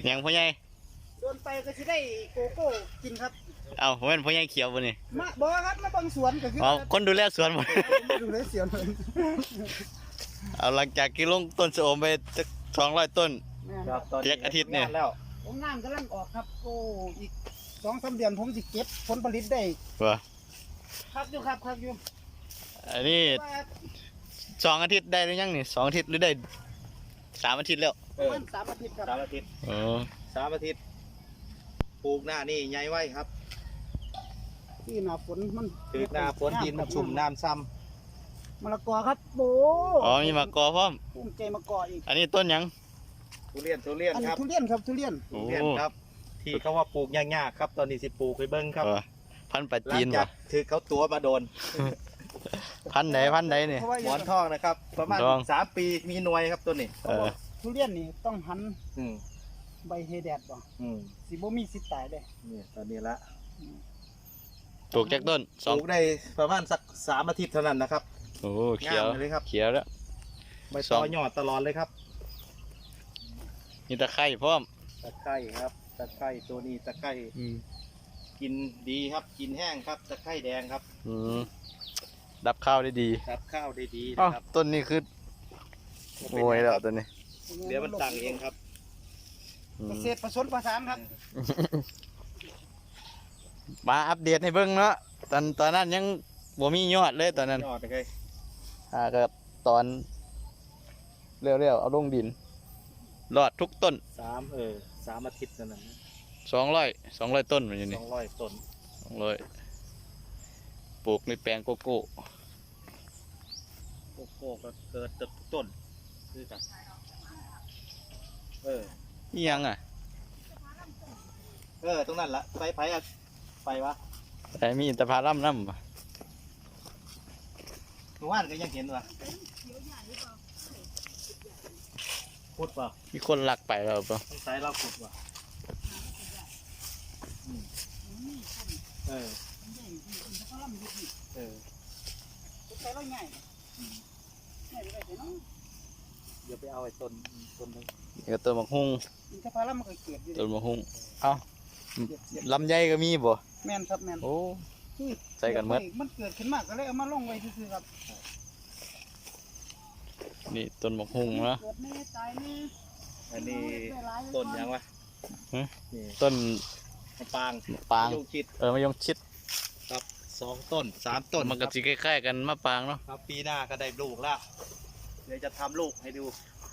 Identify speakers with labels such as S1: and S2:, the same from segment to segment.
S1: ยังพ่อใหญ่
S2: โดนไปก็จะได้โกโก้กินครับ
S1: เอาผมเป็นพ่อใหญ่เขียวบ่นี่
S2: มาบอกครับมาบังสวนก็คือ
S1: คนดูแลสวนหมด
S2: ดูแลสวน
S1: เอาหลังจากกินลงต้นสะอมไป200 ต้นเจ็ดอาทิตย์เนี่ย
S2: ผมน้ำกำลังออกครับโอ้อีก2-3 เดือนผมจะเก็บผลผลิตได้ครับอยู่
S1: อันนี้2 อาทิตย์ได้หรือยังนี่2 อาทิตย์หรือได้3 อาทิตย์แล้ว
S2: 3 อาทิตย์ครับ
S3: 3 อาทิตย์3 อาทิตย์ปลูกหน้านี่ใหญ่ไว้ครับ
S2: ที่หน้าฝนมัน
S3: คือหน้าฝนดินมันชุ่มน้ำซ้ำ
S2: มะละกอครับโอ้
S1: มีมะกอพร้อม
S2: ภูมิใจมะกออีก
S1: อันนี้ต้นยัง
S3: ทุเรียนครับ
S2: ทุเรียน
S3: ครับที่เขาว่าปลูกยากๆครับตอนนี้สิปลูกไปเบิ้งครับ
S1: พันธุ์ปัจจีน
S3: ถือเขาตัวมาโดน
S1: พันธุ์ไหนนี่
S3: หมอนทองนะครับประมาณ3 ปีมีหน่วยครับตัวนี้
S2: ทุเรียนนี่ต้องหันใบเฮแดดบ่สิบ่มีสิทธิ์ตายเลย
S3: นี่ตอนนี้ละ
S1: ปลูกจากต้น
S3: ปลูกได้ประมาณสัก3 อาทิตย์เท่านั้นนะครับ
S1: โอ้เขียว
S3: เลยครับ
S1: เขียวแล้ว
S3: ใบตอยอดตลอดเลยครับ
S1: มีตะไคร้พร้อม
S3: ตะไคร้ครับตะไคร้ตัวนี้ตะไคร้กินดีครับกินแห้งครับตะไคร้แดงครับ
S1: ดับข้าวได้ดี
S3: นะครับ
S1: ต้นนี้คือโวยแล้วต้นนี้
S3: เดี๋ยวมันตั้งเองครับ
S2: เกษตรผสมผสานครับ
S1: มาอัปเดตให้เบิ่งเนาะตอนนั้นยังบ่มียอดเลยตอนนั้น
S3: ยอดเลย
S1: ก็ตอนเร็วๆเอาลงดินรอดทุกต้น
S3: 3 อาทิตย์นั้น
S1: 200 ต้นมันอยู่นี่
S3: 200 ต้น
S1: ปลูกในแปลงโกโก้
S3: ก็เกิดเติบต้นคือกัน
S1: นี่ยัง
S3: ตรงนั้นละไปวะ
S1: แต่มีอินทผลัมน้ำ
S3: เมื่อวานก็ยังเห็นวะขุดป่ะ
S1: มีคนลักไปแล้วป่ะ
S3: ต้องใช้เราขุดป่ะ
S2: ใช้เราง่าย
S3: เดี๋ยวไปเอาไอ้ต้นนึง
S1: ก็ต้นมะฮุ่ง
S2: อินทผลัมมันก็เกิดอยู่
S1: ต้นมะฮุ่งลำไยก็มีบ่
S2: แม่นครับแม่น
S1: โอ้ใส่กันหมด
S2: มันเกิดขึ้นมากก็เลยเอามาลงไว้ซื่อๆครับ
S1: นี่ต้นมะฮุ่งนะ
S3: อันนี้ต้นยังวะ
S1: ต้น
S3: มะปาง
S1: มะยงชิด
S3: ครับ2 ต้น 3 ต้น
S1: มันก็สิคล้ายๆกันมะปางเนาะ
S3: ครับปีหน้าก็ได้ลูกแล้วเดี๋ยวจะทำลูกให้ดู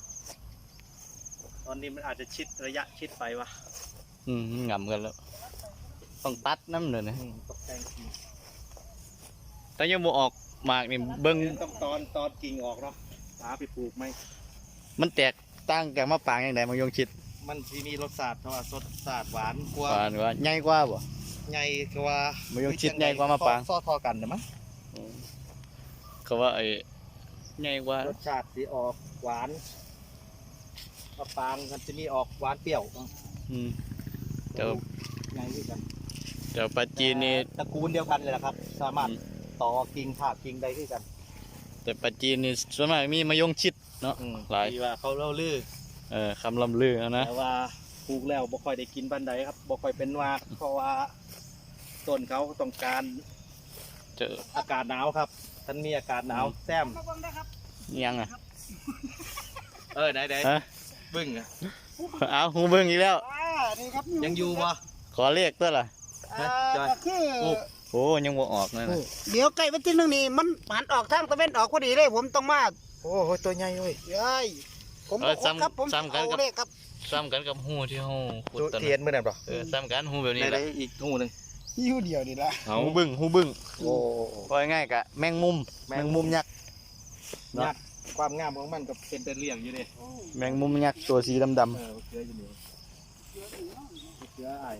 S3: ตอนนี้มันอาจจะระยะชิดไปวะ
S1: งำกันแล้วต้องตัดน้ำเลยนะ
S3: ตกแต่ง
S1: แต่ยังบ่ออกหมากนี่เบิ้ง
S3: ต้องตอนกิ่งออกเนาะหาไปปลูกไหม
S1: มันแตกต่างจากมะปางอย่างไรมะยงชิด
S3: มันมีรสชาติเพราะว่าสดชาติหวานกว่า
S1: ใหญ่กว่าบ่
S3: ใหญ่กว่าม
S1: ะยงชิดใหญ่กว่ามะปาง
S3: ซ้อทอกันนะมั้ง
S1: เขาว่าใหญ่กว่าร
S3: สชาติสีออกหวานมะปางมันจะมีออกหวานเปรี้ยว
S1: เดี๋ยว
S3: ใหญ่ด้วยกัน
S1: เดี๋ยวปัจจีนนี่
S3: ตระกูลเดียวกันเลยนะครับสามารถต่อกิ่งถากกิ่งใดขึ้นกัน
S1: แต่ปัจจีนนี่ส่วนมากมีมะยงชิดเนาะ
S3: หลายว่าเขาเล่าลือ
S1: คำลำลือนะ
S3: แต่ว่าปลูกแล้วบ่ค่อยได้กินบันไดครับบ่ค่อยเป็นว่าเพราะว่าต้นเขาต้องการ
S1: เจอ
S3: อากาศหนาวครับท่านมีอากาศหนาวแซม
S1: ยัง
S3: ไหนบึ้ง
S1: เอาหูบึ้งอีกแล้ว
S3: ยังอยู่บ่
S1: ขอเรียกตัวล่ะโอ้ยังบ่ออกเลย
S2: เดี๋ยวใกล้วันที่1นี่มันหันออกทางตะเวนออกพอดีเลยผมต้องมา
S3: โอ้โหตัวใหญ่เลย
S2: ผมครับผม
S1: ซ้ำกันกับหูที่หูขุดต้น
S3: เทียนเมื่อไหร่ป่ะ
S1: ซ้ำกันหูแบบนี้แหละ
S3: อีกหูนึง
S2: หูเดียวนี่ละ
S1: หูบึ้งโอ้พอง่ายกะแมงมุมยักษ์
S3: ความงามของมันก็เป็นเรียงอยู่เลย
S1: แมงมุมยักษ์ตัวสีดำ
S3: เกลืออยู่นี่เกลือไอ้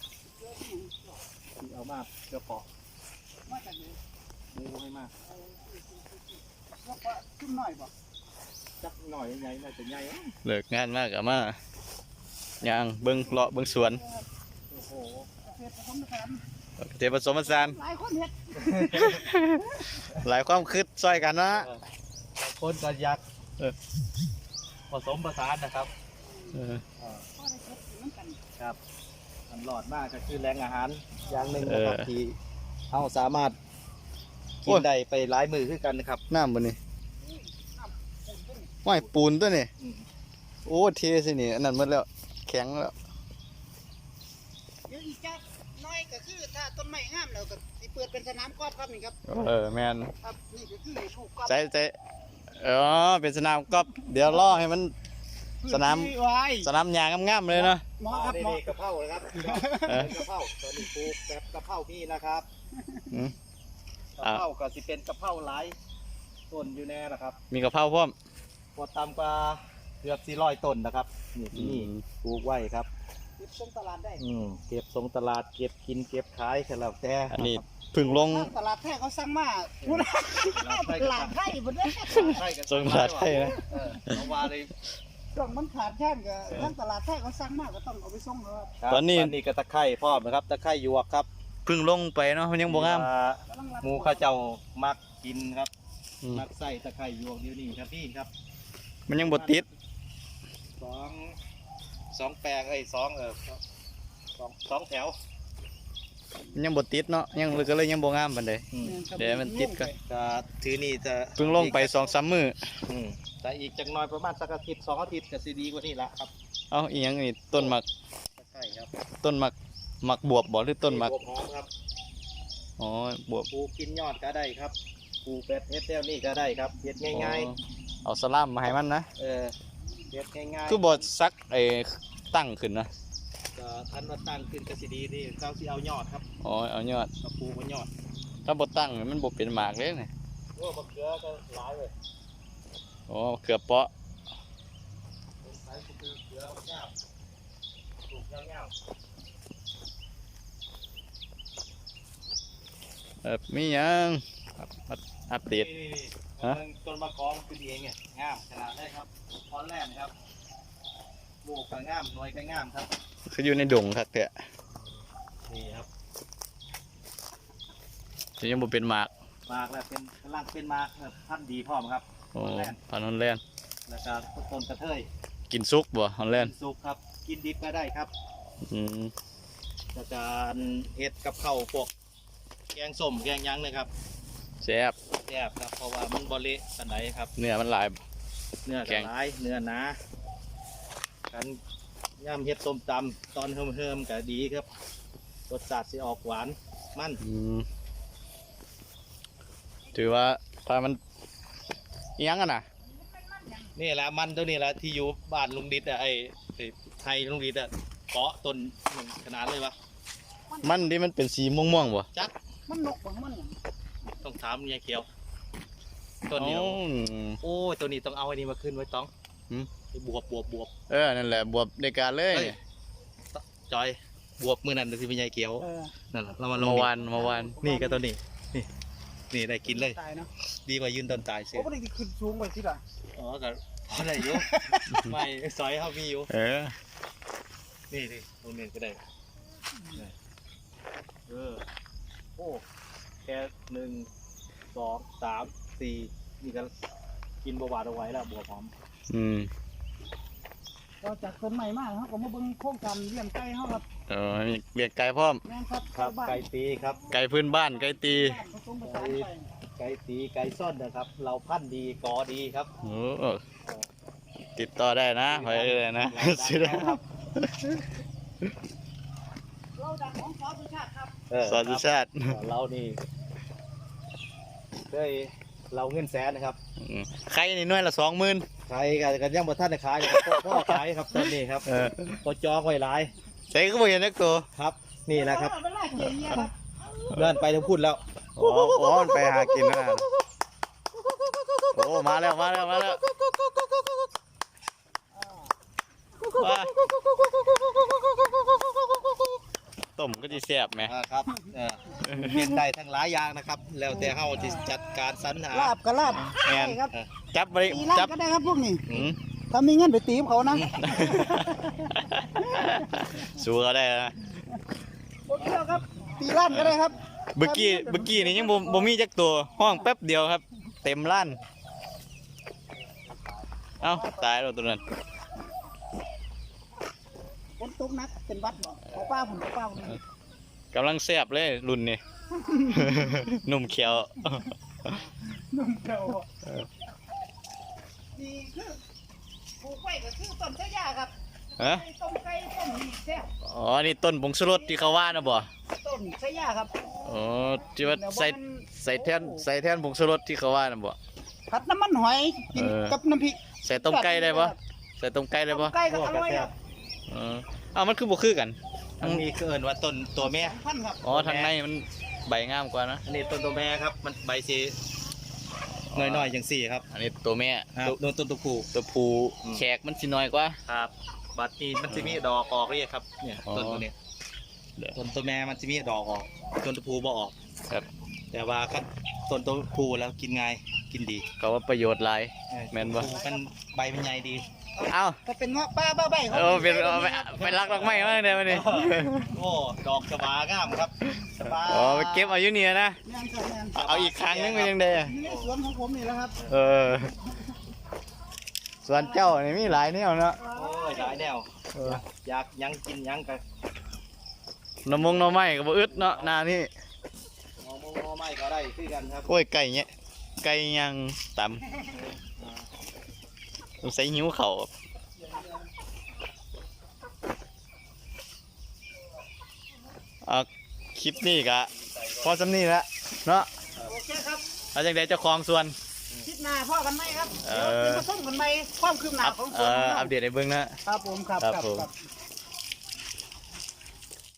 S3: ที่เอามาเกลือปอกไม่มาก
S2: ขึ้นหน่อยป่ะ
S3: จักหน่อยใหญ่น่าจะใหญ่
S1: เลิกงานมากอะมาย่างเบิ้งเลาะเบิ้งสวนเทผสมผสานหลายความคิดซอยกันนะ
S3: คนกันยักษ์ผสมผสานนะครับ
S2: น้ำกัน
S3: ครับมันหลอดมากก็คือแรงอาหารอย่างหนึ่งนะครับที่เราสามารถกินได้ไปหลายมือคือกันนะครับ
S1: น้ำบนนี่
S2: น้ำปูนต้น
S1: ว่ายปูนตัวนี่
S3: อืม
S1: โอ้เทสินี่อันนั้นหมดแล้วแข็งแล้ว
S2: เดี๋ยวอีกจักน้อยก็คือถ้าต้นไม้งามแล้วก็สิเปิดเป็นสนามกอล์ฟครับนี่ครับ
S1: แมน
S2: ครับนี่ก็คือลูกกอล์ฟ
S1: ใจเป็นสนามกอล์ฟเดี๋ยวล่อให้มัน สนาม
S2: พื้ที่ไว้
S1: สนามหญ้างามๆเลยเนาะ
S2: เหมาะครับเหมาะ
S3: นี่กะเพรานะครับ
S1: เออ
S3: กะเพราตอนนี้ปลูกแบบกะเพราพี่นะครับ
S1: อืม
S3: กะเพราก็สิเป็นกะเพราหลายต้นอยู่แน่นะครับ
S1: มีกะเพราพร้อม
S3: พอตามกว่าเกือบ400ต้นนะครับนี่ที่นี่
S1: อืม
S3: ปลูกไว้ครับ
S2: เก็บส่งตลาดได้
S3: เก็บส่งตลาดเก็บกินเก็บขายก็แล้วแต่
S1: อันนี้เพึ่งลง
S2: ทางตลาดแท้เขาสั่งมาพูดตลาดไทยหมดเลย
S3: ใช่กัน
S1: ส่งตลาดไทยนะ
S3: เอาว่าเลย
S2: ต้องมันขาดแค่นก็ทางตลาดแท้เขาสั่งมาก็ต้องเอาไปส่งครับ
S3: ครับ
S1: ตอนนี้
S3: ก็ตะไคร้พร้อมนะครับตะไคร้หยวกครับ
S1: เพึ่งลงไปเนาะมันยังบ่งาม
S2: กำลังรับ
S3: หมูข้าวเจ้ามักกินครับ
S1: อืม
S3: มักใส่ตะไคร้หยวกเดี๋ยวนี้ครับพี่ครับ
S1: มันยังบ่ติด
S3: สองแปลงสองแถว
S1: มันยังบ่ติดเนาะยังก็เลยยังบ่งามปานใด เดี๋ยวมันติดก่อน
S3: ก็ถือนี่จะ
S1: เพิ่งลงไป2-3มื้อ
S3: แต่อีกจักหน่อยประมาณสักอาทิตย์2 อาทิตย์ก็สิดีกว่านี้ละครับ
S1: เอ้าอีหยังนี่ต้นหมัก
S3: ตะไคร้ครับ
S1: ต้นหมักบวบบ่หรือต้นหมัก
S3: หัวหอมครับ
S1: อ๋อบวบ
S3: ปลูกกินยอดก็ได้ครับปลูกเป็ดเฮ็ดแนวนี้ก็ได้ครับเฮ็ดง่าย
S1: ๆเอาสลามมาให้มันนะ
S3: ๆเฮ็ดง่ายๆ
S1: คือบ่ซักตั้งขึ้นนะ
S3: ก็ทันว่าตั้งขึ้นก็สิดีนี่เขาสิเอายอดครับ
S1: อ๋อเอายอด
S3: เอาปลูกบนยอด
S1: ถ้าบ่ตั้งมันบ่เป็นหมากเลยนี่
S3: โอ้มะเขือก็หลายเลย
S1: อ๋อเกือบเปาะ
S3: ใส่เขือเอายาวปลูกยาว
S1: มีหยังอัปเดต
S3: นี่
S1: ฮะ
S3: ต้นมะกอกคือดีเองเนี่ยงามขนาดได้ครับตอนแรกนะครับลูกก็งามหน่วยก็งามครับ
S1: คืออยู่ในดงครับแท้
S3: นี่ครับ
S1: จะยังบ่เป็นหมาก
S3: มากแล้วเป็นกำลังเป็นมากแบบพันธุ์ดีพร้อมครับ
S1: โอ้พันธุ์ฮอลแลนด์
S3: แล้วก็ต้นกระเทย
S1: กินซุกบ่ฮอลแลนด์
S3: สุกครับกินดิบก็ได้ครับ
S1: อืม
S3: แล้วก็เฮ็ดกับข้าวพวกแกงส้มแกงหยังเลยครับ
S1: แซ่บ
S3: แซ่บครับเพราะว่ามันบ่เละปานใดครับ
S1: เนื้อมันหลาย
S3: เนื้อ
S1: แก
S3: ก็
S1: ง
S3: หลายเนื้อหนากันย่ำเฮ็ดส้มตำตอนเฮิมๆก็ดีครับรสชาติสิออกหวานมัน
S1: อืมถือว่าถ้ามันอิหยังกันน่ะ
S3: นี่แหละมันตัวนี้แหละที่อยู่บ้านลุงดิดอ่ะไอ้ไทยลุงดิดอ่ะเกาะต้นหนึ่งขนาดเลยวะ
S1: มันที่มันเป็นสีม่วงๆบ่
S3: จัก
S2: มันนกบ่มันหยัง
S3: ต้องถามยายเขียวต้นนี้
S1: อ๋อ
S3: โอ้ยตัวนี้ต้องเอาไอ้นี่มาขึ้นไว้ต้อง
S1: หืม
S3: ไอ้บวบ
S1: นั่นแหละบวบในการเลย
S3: เอ้ย จอยบวบมือนั่นที่เป็นยายเขียว นั่นแหละเรามาลง
S1: เมื่อวาน
S3: นี่ก็ตัวนี้นี่ได้กินเลย
S2: ตายเนาะ
S3: ดีกว่ายืนต้นตายเสีย
S2: โอ้บ่ได้ขึ้นสูงไปสิล่ะ
S3: อ๋อก็พอได้อยู่ ไม่ซอยเขามีอยู่ นี่ตรงนี้ก็ได้โอ้แค่1 2 3 4นี่ก็กินบวบเอาไว้แล้วบัวหอม
S1: อืม
S2: ก็จากต้นใหม่มาครับก็มาเบิ่งโครงการเลี้ยงไก่เฮาครับ
S1: มีเลี้ยงไก่พร้อม
S2: แม่นครับ
S3: ครับ
S2: บ้าน
S3: ไก่ตีครับ
S1: ไก่พื้นบ้านไก่ตี
S2: บ้านผสมผสานไป
S3: ไก่ตีไก่ซ่อนนะครับ เราพันธุ์ดีกอดีครับ
S1: โอ้ติดต่อได้นะไปเลยนะ ซื้อได้
S3: ครับ
S2: เราดังของสอสุชาติครับ
S1: สอนสุชาติ
S3: เรานี่เคยเราเงินแสนนะครับ
S1: ไข่นี่หน่วยละ20,000
S3: ขายกันยังบ่ทันได้ขายนะครับพ่อขายครับตอนนี้ครับก็จองไว้หลาย
S1: ใส่ก็บ่เห็นนักตัว
S3: ครับ นี่แหละครับ
S2: เอาไปไล่เกี่ยงเนี่ยครับ
S3: เลื่อนไปทั้งพูดแล้ว
S1: อ๋อมันไปหากินนะโอ้มาแล้วว้าต้มก็จะแซ่บไหม
S3: ครับเห็นได้ทั้งหลายอย่างนะครับ แล้วแต่เฮาจะจัดการสรรหา
S2: ลาบก็ลาบ
S1: แม่น
S2: ได้ครับ
S1: จับไป
S2: ตีลา
S1: จั
S2: บบ ก็ได้ครับพวกนี้
S1: อืม
S2: ถ้ามีเงินไปตีมเขานะ
S1: สู้เขาได้นะ
S2: โอเคครับตีล้านก็ได้ครับ
S1: เมื่อกี้นี่ยังบ่มีจักตัวห้องแป๊บเดียวครับ เต็มล้านเอ้าตายแล้วตัวนั้น
S2: ฝนตตกนักเป็นวัดบ่เอาป้าผมเอาป้าผม
S1: กำลังแซ่บเลยรุ่นนี้ หนุ่มเขียว
S2: นุ่มเก่านี่คือปลูกไว้ก็คือต้นชะยาครับ
S1: ฮะ
S2: ต้มไก่ต้มนี่แซ่บ
S1: อ๋อนี่ต้นผงชูรสที่เขาว่านะบ่
S2: ต้นชะยาครับ
S1: อ๋อที่ว่าใส่แทนผงชูรสที่เขาว่านะบ่
S2: ผัดน้ำมันหอยกินกับน้ำพริก
S1: ใส่ต้มไก่ได้บ่ใส่ต้มไก่ได้บ่
S2: ไก่ก็อร่อยครับ
S1: อ้าวมันคือบ่คือกัน
S3: ทั้งนี้คือเอิ้นว่าต้นตัวแม่
S2: พันครับ
S1: อ๋อทางในมันใบงามกว่านะ
S3: อันนี้ต้นตัวแม่ครับ มันใบสีน้อยๆอย่างสี่ครับ
S1: อันนี้ตัวแม่
S3: ครับโดนต้นตัวผู้
S1: ตัวผู้แขกมันสิน้อยกว่า
S3: ครับบัดนี้มันจะมีดอกออกเลยครับเนี่ย
S1: อ๋อ
S3: ต้นตัวเนี้ย
S1: เดี๋ยว
S3: ต้นตัวแม่มันจะมีดอกออกต้นตัวผู้บ่ออก
S1: ครับ
S3: แต่ว่าคันต้นตัวผู้แล้วกินง่ายกินดี
S1: ก็ว่าประโยชน์หลาย แม่นบ่
S3: ตัวผู้มันใบมันใหญ่ดี
S1: เอ้า
S2: ก็เป็นเงาะป้าบ้าใบเขา
S1: เป็นไปรักดอกไม้มาเดี๋ยวนี้
S3: โอ้ดอกสบางามครับสบา
S1: อ๋อไปเก็บเอาอยู่เนี่ยนะ
S2: แม่นครับแม่น
S1: เอาอีกครั้งนึงเป็นยังไงอะ
S2: นี่สวนของผมนี่แหละครับ
S1: เออส่วนเจ้านี่มีหลายแนวเนาะ
S3: โอ้ยหลายแนวอยากหยังกินหยังกัน
S1: น้ำมงน้ำไม้ก็บ่อึดเนาะหนานี่
S3: งอมงอไม่ก็ได้คือกันครับ
S1: โอ้ยไก่เนี่ยไก่ย่างตำใส่หิวเขาวคลิปนี้กะพอสำนี้ละเนาะ
S2: โอเคครับ
S1: เอาจังไดเจ้าของส่วน
S2: คลิปหน้าพ่อกันไหมครับ
S1: เอ
S2: เดี๋ยว
S1: อ
S2: เป็นผสมกันไหมความคืบหน้าของสวนของ
S1: อั
S2: เรา
S1: ปเดตให้เบิ่งนะครับ
S2: ผมครับ
S1: ครับ
S2: ครับ
S1: ผม
S2: ครับ